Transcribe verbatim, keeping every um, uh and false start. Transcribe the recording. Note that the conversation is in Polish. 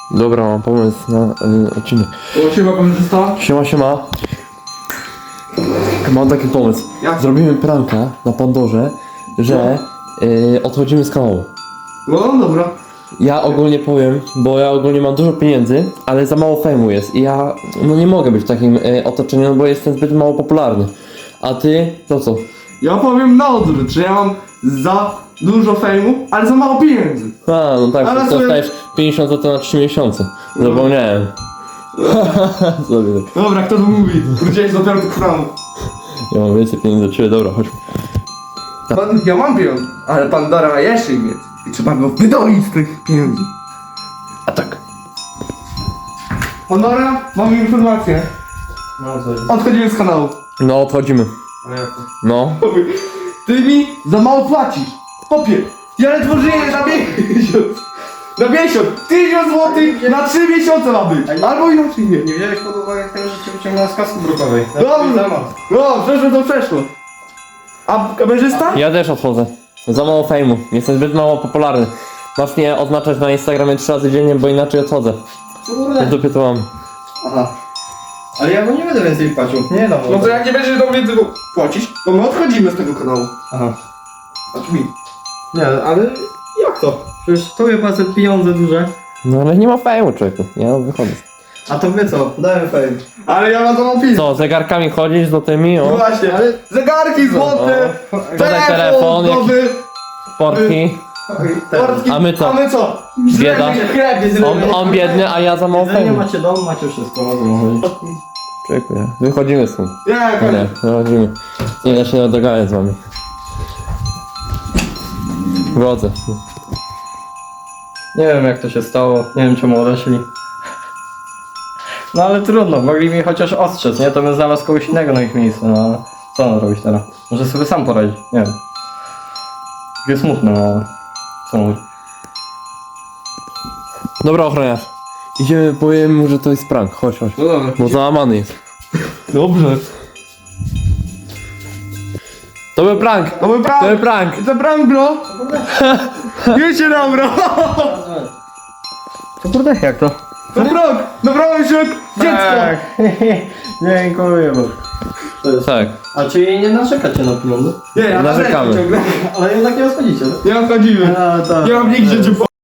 Dobra, mam pomysł na y, odcinek. O, siema kamerzysta. Siema, siema. Mam taki pomysł. Jak? Zrobimy pranka na Pandorze, że y, odchodzimy z kanału. No dobra. Ja ogólnie powiem, bo ja ogólnie mam dużo pieniędzy, ale za mało fejmu jest i ja no nie mogę być w takim y, otoczeniu, no bo jestem zbyt mało popularny. A ty, to co? Ja powiem na odwrót, że ja mam za dużo fejmu, ale za mało pieniędzy. A, no tak, Ale to sobie- dostajesz pięćdziesiąt złotych na trzy miesiące. Zapomniałem. Sobie tak. Dobra, kto to mówi? Wróciłeś dopiero do kranu. Ja mam więcej pieniędzy od ciebie, dobra, chodź. Pan, ja mam pieniądze, ale Pandora ma jeszcze ich więcej. I trzeba go wydolić z tych pieniędzy. A tak. Pandora, mamy informację. No co? Odchodzimy z kanału. No, odchodzimy. Ale jak to? No. Ty mi za mało płacisz. Popie, ja ledwo żyję na miesiąc. Na miesiąc! Tysiąc złotych na trzy miesiące ma być! Albo inaczej nie. Nie wziąłeś pod uwagę tego, że cię wyciągnąłem z kasku brukowej. Dobrze. No, przeszło to przeszło. A kamerzysta? Ja też odchodzę. Za mało fejmu. Jestem zbyt mało popularny. Masz mnie oznaczać na Instagramie trzy razy dziennie, bo inaczej odchodzę. W Kurde. dupie to mam. Aha. Ale ja mu nie będę więcej płacił. Nie dam. No to jak nie będziesz do mnie tego płacić, to my odchodzimy z tego kanału. Aha. Znaczy mi. Nie, ale jak to? Przecież tobie płacę pieniądze duże. No ale nie ma fejmu, człowieku. Ja wychodzę. A to wy co? Dajmy fame. Ale ja mam to mam Co, zegarkami chodzić do tymi, o? Właśnie, Ale- zegarki złote, Podaj telefon, telefon, jakiś- nowy, Portki. portki. A my co? A my co? Bieda. chleb jest On, on biedny, a ja za mało Nie fejmu. macie dom, macie wszystko. Mogę mówić. Człowieku, ja. Wychodzimy stąd. Ja, Nie, koniec. wychodzimy. Nie da się dogadać z wami. Wrodzę. Nie wiem jak to się stało, nie wiem czemu odeszli. No ale trudno, mogli mi chociaż ostrzec, nie? To bym znalazł kogoś innego na ich miejscu, no ale co on robić teraz? Może sobie sam poradzić, nie wiem. Takie smutne, no ale co mówić. Dobra, ochroniarz. Idziemy, powiem mu, że to jest prank. Chodź, chodź. No dobra. Bo załamany jest. Dobrze. To był prank! To był To prank. był prank! To prank, bro. Wiecie nam, bro. To kurde, jak to? To prank. Dobrałem się jak dziecko. Tak. Dziękuję bardzo. To jest. Tak. A czyli nie narzekacie na pieniądze? Nie, ja Narzekamy. narzekam ciągle. Ale jednak nie rozchodzicie, tak? Nie odchodzimy. A, tak. Nie mam nigdzie gdzie